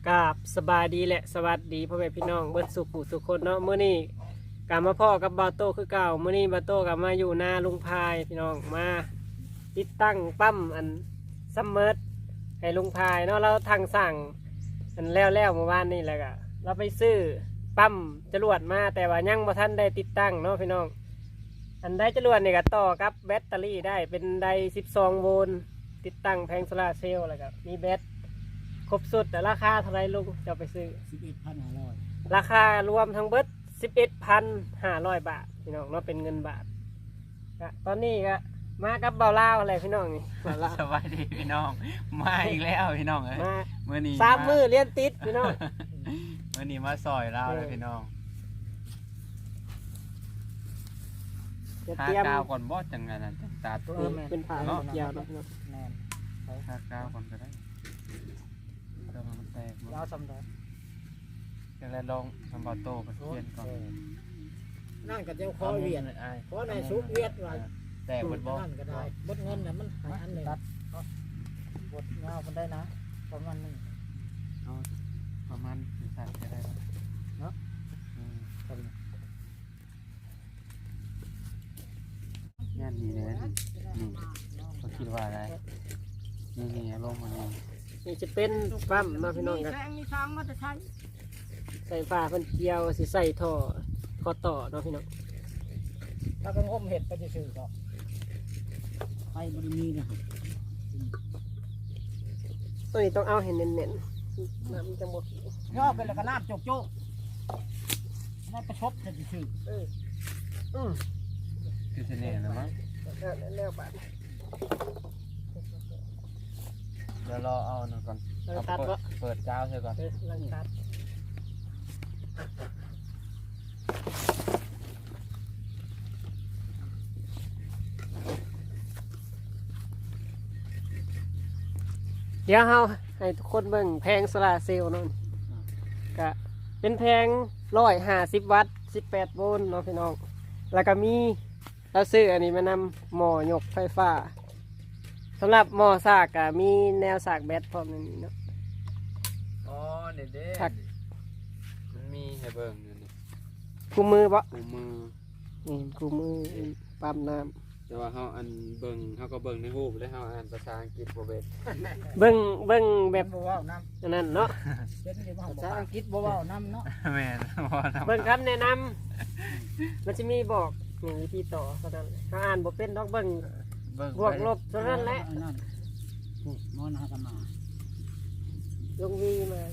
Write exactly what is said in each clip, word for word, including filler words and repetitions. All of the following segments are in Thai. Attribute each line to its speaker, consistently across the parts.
Speaker 1: กราบสบายดีแหละสวัสดีพ่อแม่พี่น้องเบิดสุขผู้สุขคนเนาะมื้อนี้กลับมาพ่อกับบาโต้คือเก่ามื้อนี้บาโต้กลับมาอยู่หน้าลุงพายพี่น้องมาติดตั้งปั๊มอันซัมเมอร์ให้ลุงพายเนาะเราทางสั่งอันแล้วแล้วเมื่อวานนี่แหละก็เราไปซื้อปั๊มจรวดมาแต่ว่ายังบ่ทันได้ติดตั้งเนาะพี่น้องอันได้จรวดนี่ก็ต่อกับแบตเตอรี่ได้เป็นไดสิบสองโวลต์ติดตั้งแผงโซลาร์เซลล์แล้วก็มีแบตครบสุดแต่ราคาเท่าไรลุงจะไปซื้อ
Speaker 2: สิบเอ็ดพันห้าร้อย
Speaker 1: ราคารวมทั้งเบิดสิบเอ็ดพันห้าร้อยบาทพี่น้องเนาะเป็นเงินบาทก็ตอนนี้ก็มากับเบาเล่าอะไรพี่น้องนี่เบาเล่า
Speaker 3: สวัสดีพี่น้องมาอีกแล้วพี่น้องเอ้ย
Speaker 1: มา
Speaker 3: เมื่อนี้
Speaker 1: สามมือเลี้ยนติดพี่น้อง
Speaker 3: เมื่อนี้มาซอยเราเลยพี่น้อง
Speaker 1: จะ
Speaker 3: ค่า
Speaker 1: เตรียม
Speaker 3: ก้าวก่อนบอสจังไงนั่นจังตาตัว
Speaker 1: เป็นผ่าเกี่ยวเนาะพี่น้อง
Speaker 2: แมน
Speaker 3: ค่าก้าวก่อนก็ได้เดี๋ยวมันแตก
Speaker 2: ยาวสำได้
Speaker 3: จะได้ลองทำบอโต้ไปเทียนก่อน
Speaker 2: นั่นก็เจ้าคอเวียนขอในซุกเวียดว่า
Speaker 3: แตกบดบอ
Speaker 2: นั่นก็ได้บดเงินน่ะมันหายอันหนึ่งบดเงามันได้นะประมาณนึง
Speaker 3: เอาประมาณสี่สันก็ได้แล้ว
Speaker 2: เนาะ
Speaker 3: อืมงานนี้เลยนี่นี่เขาคิดว่าอะไรนี่นี่ลงมานี่
Speaker 1: นี่จะเป็นปั๊มเนาะพี่น้องกัน
Speaker 2: แสงมีช้างมันจะใช้
Speaker 1: ใส่ฝาเพิ่นเกี่ยวสิใส่ท่อข้อต่อเนาะพี่น้อง
Speaker 2: ถ้าเป็นงมเห็ดไปจะซื้อก็ไฟบริมีนะครับ
Speaker 1: ตัวนี้ต้องเอาให้เน้นๆน้ำมันจะหมด
Speaker 2: ย่อเป็นแล้วก็น้ำโจกโจกนั่นประชดจะซื้อ
Speaker 1: เอออืม
Speaker 3: คือเสน่ห์นะมั้ง
Speaker 1: แล้วแล้วบาท
Speaker 3: เดี๋ยวรอเอาหน่อยก่อน
Speaker 1: เรา
Speaker 3: เอา
Speaker 1: ตัด
Speaker 3: เปิ
Speaker 1: ก็
Speaker 3: ดเปิดเจ้าใช่ก่อน
Speaker 1: เออลังตัดเดี๋ยวเฮาให้ทุกคนเบิ่งแพงโซลาร์เซลล์เนาะก็เป็นแพงร้อยห้าสิบวัตต์สิบแปดโวลต์เนาะพี่น้อง แล้วก็มีเราซื้ออันนี้มานำหม้อยกไฟฟ้าสำหรับหม้อสากก็มีแนวสากแบตพร้อมในนี้เนาะ
Speaker 3: อ๋อเด็ดเด็
Speaker 1: ถัก
Speaker 3: มันมีให้เบิ่งอยู่นี่
Speaker 1: กูมือบ่
Speaker 3: คู่มือ
Speaker 1: นี่กูมือปั๊มน้
Speaker 3: แต่ว่าเฮาอันเบิ่งเฮาก็เบิ่งในรูปแล้วเฮาอ่านภาษาอังกฤษบ่เป็น
Speaker 1: ำเบิ้งเบิ้งแบ
Speaker 2: แบบ บบ่าวน้
Speaker 1: อันนั้นเนาะ
Speaker 2: ำเป็นที่ว่าภาษาอังกฤษบ่าวน้ำเนาะ
Speaker 3: แม่นบ่ทำ
Speaker 1: เบิ้งคำแนะนำมันจะมีบอกนี่วิธีต่อเท่านั้นถ้าอ่านบ่เป็นดอกเบิ้ง
Speaker 3: เบิ่ง
Speaker 1: บวกลบเท่านั้นแหละ
Speaker 2: นั่นมอนหากมา
Speaker 1: ลงวีมา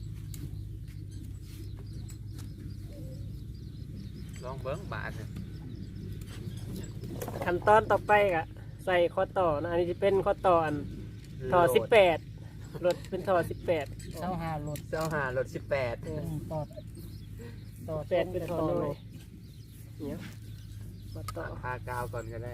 Speaker 3: ลองเบิ่งบาท
Speaker 1: ขั้นตอนต่อไปก็ใส่ข้อต่อนะอันนี้จะเป็นข้อต่ออันท่อสิบแปดรถเป็นท่อสิบแปด
Speaker 2: เสาหาหลุด
Speaker 3: เจ้าหารถสิบแปด
Speaker 2: ต่อต่อ
Speaker 1: แปดเป็นท่อน้อยเนี่ยข้อต่อ
Speaker 3: พากาวก่อนก็ได้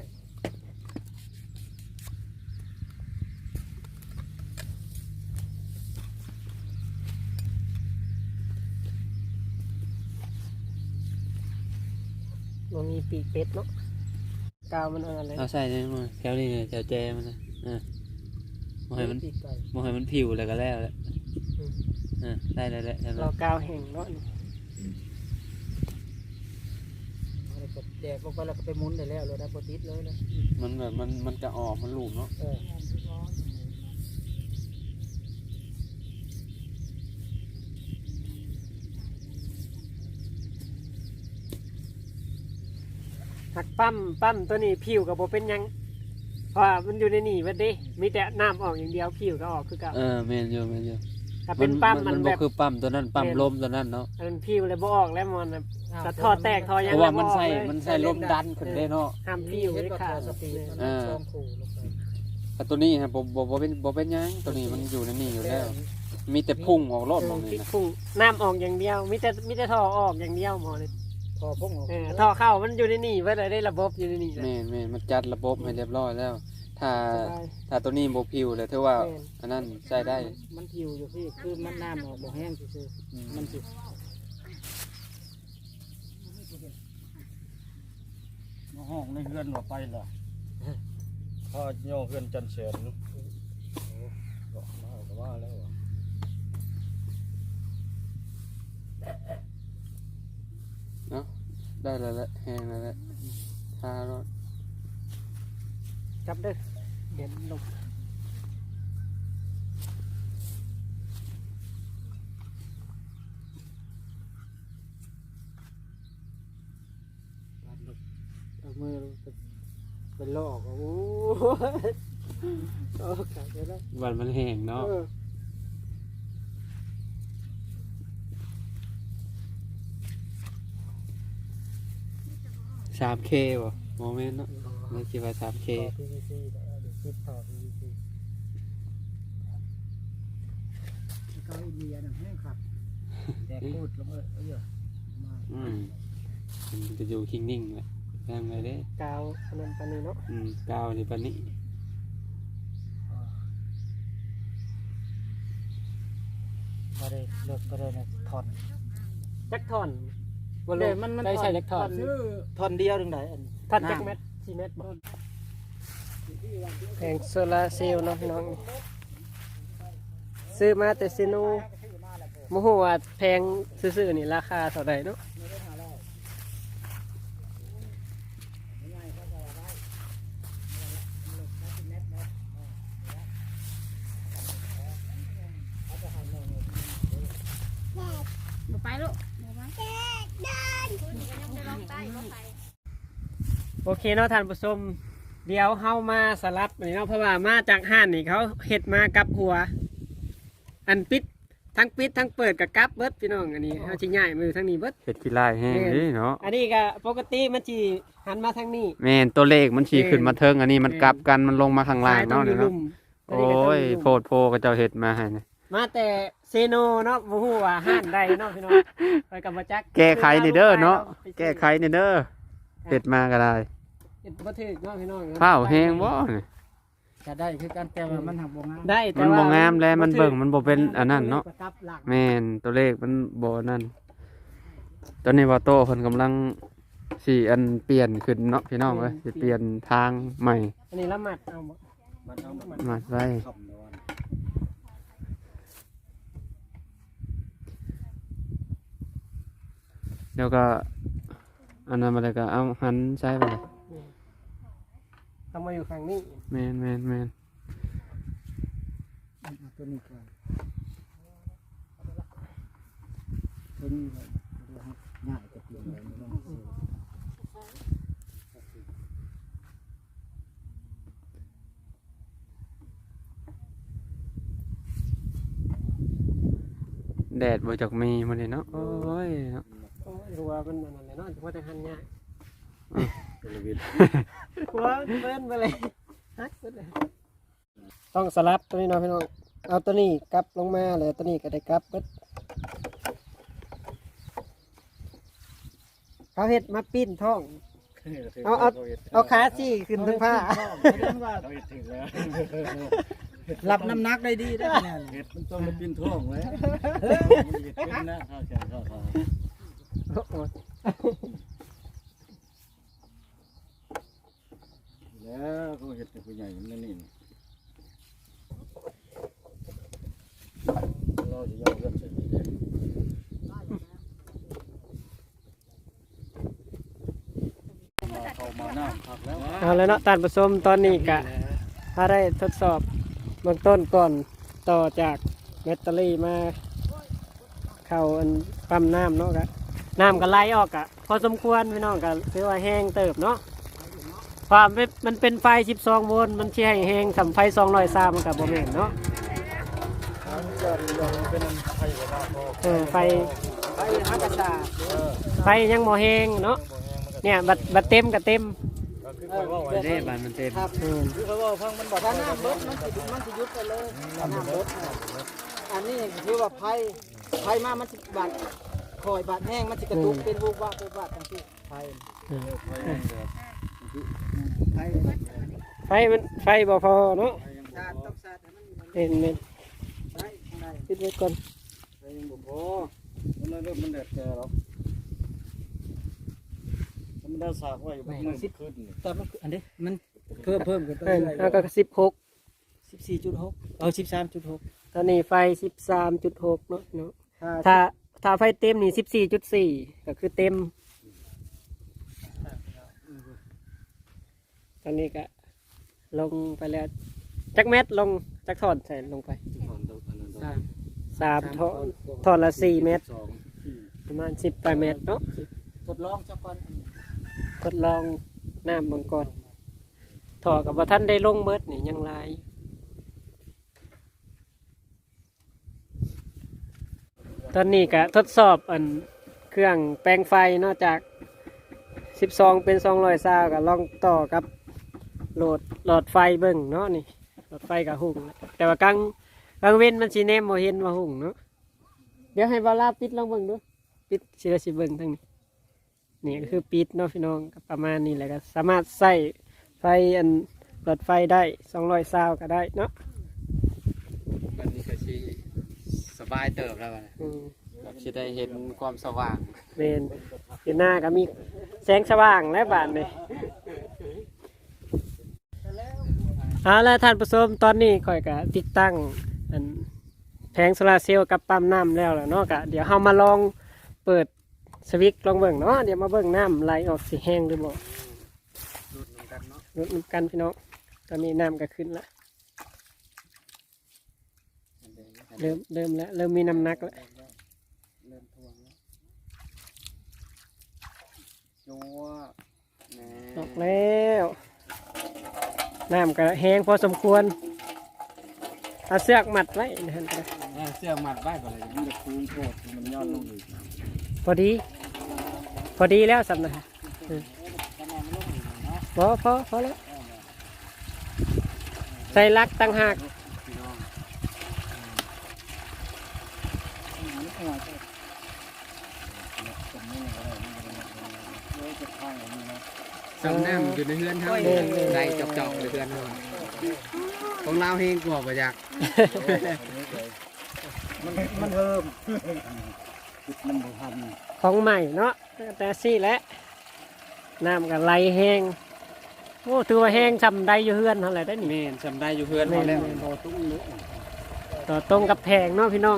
Speaker 1: มันมีปีกเป็ดเนาะกาวมันอะไร
Speaker 3: เอาใส่ได้มั้ยแถวนี้แถวแจมันนะอ่าบ่ให้มัน
Speaker 2: ปีกไก่
Speaker 3: บ่ให้มันผิวแล้วก็แล้วแหละอ่าได้แล้วแหละ
Speaker 1: เรากาวแห้งเนาะ
Speaker 2: อะไรก็แจกลงไปแล้วก็ไปหมุนได้แล้วเลยได้โปรตีนเลยนะ
Speaker 3: มันแบบมันมันจะออกมันหลุมเนาะ
Speaker 2: เออ
Speaker 1: หักปั๊มปั๊มตัวนี้ผิวกับโบเป็นหยังเพราะว่ามันอยู่ในนี่มันดิมีแต่น้ำออกอย่างเดียวผิวก็ออกคือเก่า
Speaker 3: เออแม่นอยู่แม่นอยู่
Speaker 1: ถ้าเป็นปั๊มมัน
Speaker 3: มัน
Speaker 1: แบ
Speaker 3: บ่
Speaker 1: บ
Speaker 3: คือปั๊มตัวนั้นปั๊มลมตัวนั้นเนาะ
Speaker 1: มันผิวเลยบ่ออกแล้วมันสะทอดแตกทอ
Speaker 3: เพ
Speaker 1: ยัง
Speaker 3: ราะว่ามัน
Speaker 1: บ่ออก
Speaker 3: ใส่
Speaker 1: เลย
Speaker 3: มันใส่ลมดันขึ้นได้เนาะ
Speaker 1: ห้ามผิว
Speaker 2: เห็น
Speaker 1: เลย
Speaker 2: ว่า
Speaker 1: ค่ะ
Speaker 2: สปีดมันช่องขู่ลงไป
Speaker 3: แต่ตัวนี้ฮะบ่บ่บ่เป็นบ่เป็นหยังตัวนี้มันอยู่ในนี่อยู่แล้ว มีแต่พุ่งออกรอดมอง
Speaker 1: พริ
Speaker 3: นี่
Speaker 1: ก
Speaker 3: นะ
Speaker 1: พุ่งน้ำออกอย่างเดียวมีแต่มีแต่ท่อออกอย่างเดียวหมอเลย
Speaker 2: พอพุ่งออก
Speaker 1: เออท่อเข้ามันอยู่ในนี่ไว้เลยได้ระบบอยู่ในนี่แหละ
Speaker 3: แม่นแม่นมันจัดระบบให้เรียบร้อยแล้ว ถ้า
Speaker 1: สบาย
Speaker 3: ถ้าตัวนี้บ่ผิวเลยถือว่า
Speaker 1: แม่น
Speaker 3: อันนั้นใช้ได้
Speaker 2: มันผิวอยู่พี่คือมันน้ำออกบ่แห้งซื่อๆมันสิ
Speaker 4: ห้องในเฮือนว่าไปล่ะพ่อย่อเฮือนจันเสนก็มาก็ว่าแล้วว่ะ
Speaker 3: ได้แล้วแหละแห้งแล้วแหละทารถ
Speaker 1: จับเด้อเด่นลงเอามือลงไปเป็นลอกโอ้โหโอ้ขาดไปแล้ว
Speaker 3: วันมันแห้งเนาะ
Speaker 1: เออ
Speaker 3: สามเคบ่โมเมนต์เนาะไม่คิดว่าสามเค
Speaker 2: ต่อ พี วี ซี เดี๋ยวคิดต่อ พี วี ซี เกาอินเดียน่ะแห้งครับแต่พูดลงเออเอ้ยมา
Speaker 3: อืมมันจะอยู่คิงนิ่งแหละแรงเลยเด้
Speaker 1: กาวอันนั้นปานนี้เนาะ
Speaker 3: อืมกาวนี่ปานนี้
Speaker 2: บ่ได้เลิกบ่ได้นะถอน
Speaker 1: จักท่อนบ่
Speaker 2: เดี๋
Speaker 1: รู้
Speaker 2: ยวมันมัน
Speaker 1: ได้ใช้จักท่อน
Speaker 2: ซื้อถอนเดียวถึงไหนอัน
Speaker 1: ท่อนจักเม็ดสี่เม็ดบ่แผงโซลาร์เซลล์เนาะพี่น้องซื้อมาแต่ซิโนบ่ฮู้ว่าแพงซื่อๆนี่ราคาเท่าใดเนาะ
Speaker 5: ไปลูก
Speaker 1: โอเคเนาะท่านผู้ชมเดี๋ยวเฮามาสลับนี่เนาะเพราะว่ามาจากห้านนี่เขาเฮ็ดมากับหัว อันปิดทั้งปิดทั้งเปิดกับกลับเบิดพี่น้องอันนี้เฮาสิย้ายมือทั้งนี้เบิด
Speaker 3: เห็ดขี้ลายแห้งเด้เนาะ
Speaker 1: อันนี้ก็ปกติมันสิหันมาทางนี้
Speaker 3: แม่นตัวเลขมันฉีขึ้นมาเทิงอันนี้มันกลับกันมันลงมาข้างล่าง
Speaker 1: ซ้ยต้อง
Speaker 3: เนาะ
Speaker 1: อยู่
Speaker 3: เนาะ
Speaker 1: ลุ่ม
Speaker 3: โอ้ยโพดโพก็เจ้าเห็ดมาให้นะ
Speaker 1: มาแต่เซโนเนาะบ่ฮู้ว่าห้านใดเนาะพี่น้องไปกับมาจัก
Speaker 3: แก้ไขนี่เด้อเนาะแก้ไขนี่เด้อเห็ดมาก็ได้
Speaker 1: เฮ็ดบ่ถูกเนาะพี่น้อง
Speaker 3: ข้าวแห้งบ่นี่
Speaker 2: จะได้คือการแต่ว่ามันหักบ่งาม
Speaker 1: ได้แต่
Speaker 3: มัน
Speaker 1: ว่า
Speaker 3: บ่งามแล้วมันเบิ่งมันบ่เป็นอันนั้นเนาะ
Speaker 1: กลับหลัง
Speaker 3: แม่นตัวเลขมันบ่นั่นตอนนี้ว่าโตเพิ่นกำลังสิอันเปลี่ยนขึ้นเนาะพี่น้องเอ้ยสิเปลี่ยนทางใหม่
Speaker 1: อันนี้ละหมัดเอาบ่
Speaker 4: มันเอามัน
Speaker 3: มาไว้
Speaker 4: คำละวัน
Speaker 3: เดี๋ยวก็อันนั้นมาเลยก็เอาหันใช้ไปเลย
Speaker 1: เอามาอยู่ข้างนี้
Speaker 3: แม่นแม่นแม่น
Speaker 2: เอาตัวนี้ก่อนตัวนี้เลยเดี๋ยวให้ง่ายจะเปลี่ยนเลยไม่ต้องซื้อ
Speaker 3: แดดบ่จักมีมื้อนี้เนาะโอ้ยเนาะ
Speaker 1: โอ้ยหัวมันนั่นแหละเนาะว่าแต่หันยาก
Speaker 4: เป็นระเบียบ
Speaker 1: หัวเบิ้นไปเลยฮักสุดเลยต้องสลับตัวนี้เนาะพี่น้องเอาตัวนี้กลับลงมาเลยตัวนี้ก็ได้กลับเบิดเขาเห็ดมาปิ้นท้อง เอาเอา เอาขาซี่ขึ้นทั้งผ้า
Speaker 2: เรื่องว่า
Speaker 4: เขาเห็ดถึงแล้ว
Speaker 2: รับน้ำหนักได้ดีได้แน่
Speaker 4: เห็ดมันต้องมาปิ้นท้องไว้มันเห็ดเป็นนะข้าวแกงข้าวขา
Speaker 1: โอ้ย
Speaker 4: แล้วเขาเห็ดเป็นผู้ใหญ่มันนั่นนี่เราจะย่อเลือดเสร็จเลยมาเข้ามาหน้าผักแล้ว
Speaker 1: เอาแล้วเนาะตานผสมตอนนี้กะถ้าได้ทดสอบเบื้องต้นก่อนต่อจากแบตเตอรี่มาเข้าอันปั๊มน้ำเนาะกะน้ำก็ไหลออกกะพอสมควรพี่น้องกะถือว่าแห้งเติบเนาะความเป็นมันเป็นไฟสิบสองโวลต์มันสิให้แห้งสำไฟสองร้อยซามันกับโมเมนเนาะ
Speaker 4: เป็นไข่กระดาษ
Speaker 1: เออไฟ
Speaker 2: ไปหากระชา
Speaker 1: ไฟยังโมแห้งเนาะเนี่ยบัดบัดเต็มกับเต็ม
Speaker 4: ก็คือคอยว่าไว้
Speaker 3: เด้บานมันเต็ม
Speaker 2: ครับ
Speaker 1: อืม
Speaker 4: คือเขาว่าฟังมันบอก
Speaker 2: ถ้าน้ำลดมันสิมันสิยุบไปเลยถ้าน้ำลดน่ะอันนี้คือว่าไผ่ไผ่มามันสิบาดคอยบาดแห้งมันสิกระตุกเป็นวูบว่าเป็นวาดจังซี่ไผ่ไผ่
Speaker 1: ไฟมันไฟบ่พอเนาะ
Speaker 2: ชาติต้องชาติให้มันมีมัน
Speaker 1: เห็นเห็น
Speaker 2: ได้ได้
Speaker 1: คิดไว้ก่อน
Speaker 4: ไผ่ยังบ่พอมันเลยเริ่มมันแดดแก่แล้วมันได้สากไว้มันมืดขึ้น
Speaker 2: แต่มันอันนี้มันเพิ่มเพิ่มกันไป
Speaker 1: เออ
Speaker 2: เรื่อย
Speaker 1: แล้วก็สิบหก
Speaker 2: สิบสี่จุดหกเอาสิบสามจุดหก
Speaker 1: ตอนนี้ไฟสิบสามจุดหกเนาะเนาะ
Speaker 2: ถ้า
Speaker 1: ถ้าถ้าไฟเต็มนี่สิบสี่จุดสี่ก็คือเต็มตอนนี้ก็ลงไปแล้วจักเม็ดลงจักถอนใส่ลงไปสามสามถอนถอนละสี่เมตรประมาณสิบแปดเมตรเนาะ
Speaker 2: ทดลองสักก่อน
Speaker 1: ทดลองน้ำมังกรถอกับว่าท่านได้ลงเมิดนี่ยังหลายตอนนี้ก็ทดสอบอันเครื่องแปลงไฟนอกจากสิบสองเป็นสองร้อยซาวก็ลองต่อกับโหลดหลอดไฟเบิ่งเนาะนี่หลอดไฟกับหุ่งแต่ว่ากลางกลางเว้นมันสีแนมโมเห็นว่าหุ่งเนาะเดี๋ยวให้บาลาปิดลองเบิ่งดูปิดสิละสิเบิ่งทั้งนี้นี่ก็คือปิดเนาะพี่น้องก็ประมาณนี้แหละก็สามารถใส่ไฟอันหลอดไฟได้สองร้อยซาวก็ได้เนาะ
Speaker 3: วันนี้ก็สิสบายเติบแล้วบัดนี้
Speaker 1: อืม
Speaker 3: สิได้เห็นความสว่าง
Speaker 1: เมนอยู่หน้าก็มีแสงสว่างและบานเลยเอาละท่านผู้ชมตอนนี้ข่อยก็ติดตั้งอันแผงโซลาร์เซลล์กับปั๊มน้ำแล้วแหละเนาะก็เดี๋ยวเรามาลองเปิดสวิตช์ลองเบิ่งเนาะเดี๋ยวมาเบิ่งน้ำไหลออกสีแห้งหรือบ่
Speaker 3: ดูดนำกันเนาะ
Speaker 1: ลดน้ำกันพี่น้องตอนนี้น้ำก็ขึ้นละเริ่มเริ่มแล้วเริ่มมีน้ำหนักแล้ว
Speaker 3: เริ่มท่วงแล้วจัวแหน่
Speaker 1: ออกแล้วน้ำก็แห้งพอสมควรเอาเสือกมัดไว้นะฮะ
Speaker 3: เออเสื้อมัดไว้ก่อนเลยมันจะคูงโคตรมันย้อนลงอีก
Speaker 1: พอดี พอดีแล้วสำนักพอพอพอแล้วใส่ลักตั้งหาก
Speaker 3: พี่น้องสำน้ำอยู่ในเฮือนเฮาได้จอกๆในเฮือนเฮาของเราเฮงกว่าบ่อยาก
Speaker 4: มันมันเพิ่มมันบ่ทัน
Speaker 1: ของใหม่เนาะแต่ซี่แหละน้ำก็ไหลแห้งโอ้ถือว่าแห้งชำได้อยู่เฮือนเท่าไหร่ได้นี่
Speaker 3: แม่นสำได้อยู่เฮือนเฮาแล้ว
Speaker 4: พอตุ้งนึก
Speaker 1: ต่อตรงกับแพงเนาะพี่น้อง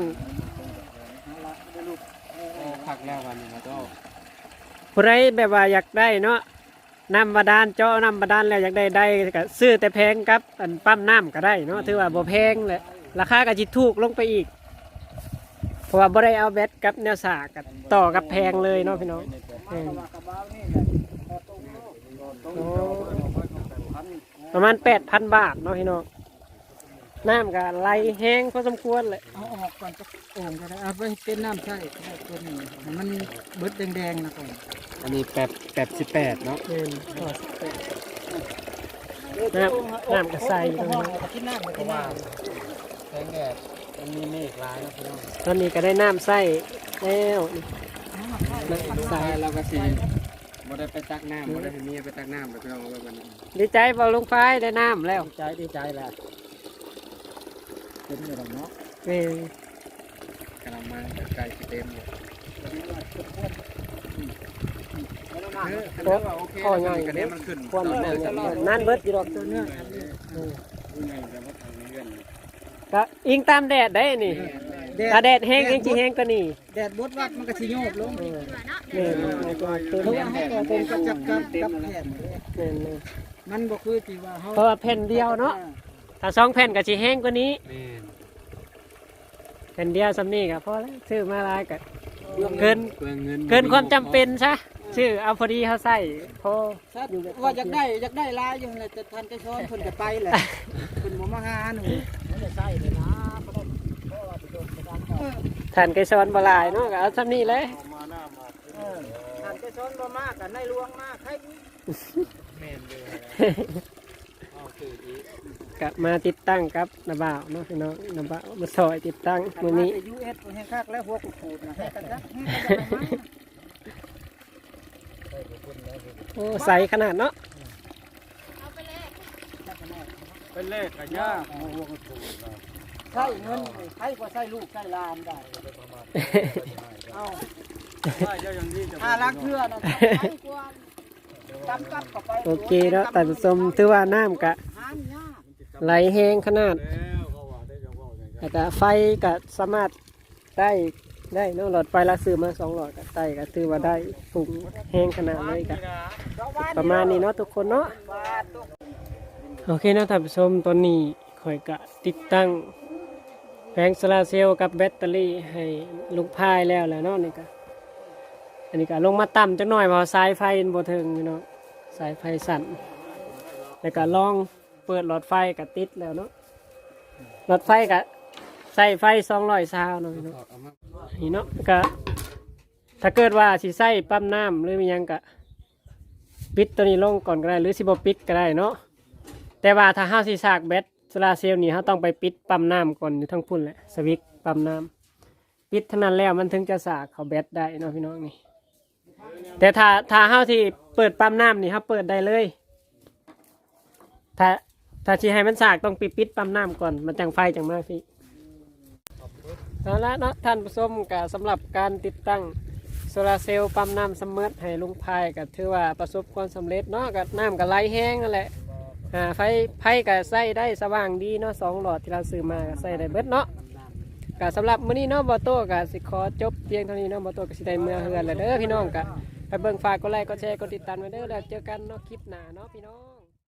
Speaker 3: พักแล้ววันนี้แล้วก็
Speaker 1: ผู้ใดแบบว่าอยากได้เนาะน้ำบาดาลเจาะน้ำบาดาลแล้วอยากได้ได้ก็ซื้อแต่แพงกับอันปั๊มน้ำก็ได้เนาะถือว่าบ่แพงแหละราคาก็จิถูกลงไปอีกเพราะว่าบ่ได้เอาแบตกับแนวสากกับต่อกับแพงเลยเนาะพี่น้องเออโอ้ประมาณแปดพันบาทเนาะพี่น้องน้ำก็ไหลแห้งพอสมควรเลย
Speaker 2: เอาออกก่อนจะโอ่งก็ได้เอาไปเป็นน้ำใช่ตัวนี้ให้มันเบิดแดงๆนะก่อน
Speaker 3: อันนี้แปดแปดสิบแปดเนาะ
Speaker 1: เออต่อสิบแปดน้ำน้ำก็ใส่ตรงนี้
Speaker 2: ที่น้ำที่น้
Speaker 3: แสงแดดมันมีเมฆร้ายนะพี่น้อง
Speaker 1: ตอนนี้ก็ได้น้ำใส่แล้วนี่
Speaker 3: ลูกชายเราก็สิบ่ได้ไปตักน้ำบ่ได้ให้เมียไปตักน้ำไปพี่น้องเอาไว้วันนี้
Speaker 1: ดีใจเบาลงไฟได้น้ำแล้ว
Speaker 2: ำใจดีใจแหละเป็นอย่างเนาะ
Speaker 1: เออก
Speaker 3: ำลังมาใกล้สิเต็มอยู่เออคันว่าโอเคแล้วกันนี้มันขึ้น
Speaker 1: ความมันนั่นเบิดอยู่ดอกตัวเนื้อ
Speaker 3: ยังไงแต่ว่าทางนี้เงื่อน
Speaker 1: ก็อิงตามแดดได้นี่ถ้าแดดแห้งยังจีแห้งก็นี่
Speaker 2: แดดบดวัดมันก็สิโยกลง
Speaker 1: เออ
Speaker 5: เผื่อเนาะ
Speaker 1: นี่ตัวตัว
Speaker 2: เพราะ
Speaker 1: นี้
Speaker 2: ว่าให้ตัวเป็นกับจับกับกับแผ่น
Speaker 1: นี่นี่
Speaker 2: มันบ่คือที่ว่าเฮา
Speaker 1: เพราะว่าแผ่นเดียวเนาะถ้าสองแผ่นก็จีแห้งกว่านี้
Speaker 3: แม่น
Speaker 1: แผ่นเดียวสำนี่ก็พอแล้วซื้อมาหลายก็เกิน
Speaker 3: เปลืองเงิน
Speaker 1: เกินความจำเป็นซะซื้อเอาพอดีเขาใส่พอ
Speaker 2: ซัดว่าอยากได้อยากได้ลายอยู่เลยแต่ทันจะช้อนเพิ่นก็ไปแหละเพิ่นบ่มาหาหนูมันจะใส่เลยนะบ่ได้เพราะว่าไปโดนไปดันต่อ
Speaker 1: ทานไก่ซ้อนบหลายเนาะก็เอาสำนี่เลย
Speaker 4: มาหน้ามา
Speaker 2: เออทันจะช้อนบ่มากกันในหลวงมากให้
Speaker 3: แม่นเลยเอาคืออีก
Speaker 1: กลับมาติดตั้งกับนาบ่าวเนาะพี่น้องนาบ่าวมาซอยติดตั้งมื้อนี้
Speaker 2: ยูเอสแห้งคักแล้วหัวกูดๆนะให้กันจ้ะให้กันจ้ะมา
Speaker 1: โอ้ใสขนาดเนาะ
Speaker 5: เอาไปเลย
Speaker 4: เป็นเลขกันยากโอ้โหก็ถูกนะ
Speaker 2: ใช้เงินใช้กว่าใช้ลูกใช้หลานได้เอา
Speaker 4: ว่าเจ้าอย่างนี้จะ
Speaker 2: หาลักเทื่อนะใช้กว่าตำกับเข้าไป
Speaker 1: โอเคเนาะแต่านผู้ชมถือว่าน้ำกะ
Speaker 2: หามยาก
Speaker 1: ไหลแห้งขนาด
Speaker 4: แล้วเขาว่าได้จะว่าอย่างไร
Speaker 1: แล้วก็ไฟก็สามารถได้ได้เนาะหลอดไฟละซื้อมาสองหลอดก็ได้ก็ถือว่าได้ฝุ่งแห้งขนาดเลยก็ประมาณนี้เนาะทุกคนเนาะ
Speaker 2: บาท
Speaker 1: โอเคเนาะท่านผู้ชมตอนนี้ข่อยกะติดตั้งแผงโซลาร์เซลล์กับแบตเตอรี่ให้ลุงพายแล้วแหละเนาะนี่ก็อันนี้ก็ลงมาต่ำจักหน่อยเพราะสายไฟมันบ่ถึงอยู่เนาะสายไฟสั่นแล้วก็ลองเปิดหลอดไฟก็ติดแล้วเนาะหลอดไฟก็ใส่ไฟสองร้อยซาวเนาะพี่เนาะนี่เนาะก็ถ้าเกิดว่าสิใส่ปั๊มน้ำหรือมีหยังก็ปิดตัวนี้ลงก่อนก็ได้หรือสิบ่ปิดก็ได้เนาะแต่ว่าถ้าเฮาสิสากแบตโซลาร์เซลล์นี่เฮาต้องไปปิดปั๊มน้ำก่อนอยู่ทั้งพุ่นแหละสวิตช์ปั๊มน้ำปิดเท่านั้นแล้วมันถึงจะสากเข้าแบตได้เนาะพี่น้องนี่แต่ถ้าถ้าเฮาที่เปิดปั๊มน้ำนี่เฮาเปิดได้เลยถ้าถ้าสิให้มันสากต้องปิดปิดปั๊มน้ำก่อนมันจังไฟจังมาพี่เอาละเนาะท่านผู้ชมก็สำหรับการติดตั้งโซลาร์เซลล์ปั๊มน้ำเสมอให้ลุงพายก็ถือว่าประสบความสำเร็จเนาะก็น้ำก็ไหลแห้งนั่นแหละอ่าไฟไฟก็ใส่ได้สว่างดีเนาะสองหลอดที่เราซื้อมาก็ใส่ได้เบิดเนาะก็สำหรับมื้อนี้เนาะบอโต้ก็สิขอจบเพียงเท่านี้เนาะบอโต้ก็สิได้เมื่อเฮือนแล้วเด้อพี่น้องก็ไปเบิ่งฝากกดไลค์กดแชร์กดติดตามไว้เด้อแล้วเจอกันเนาะคลิปหน้าเนาะพี่น้อง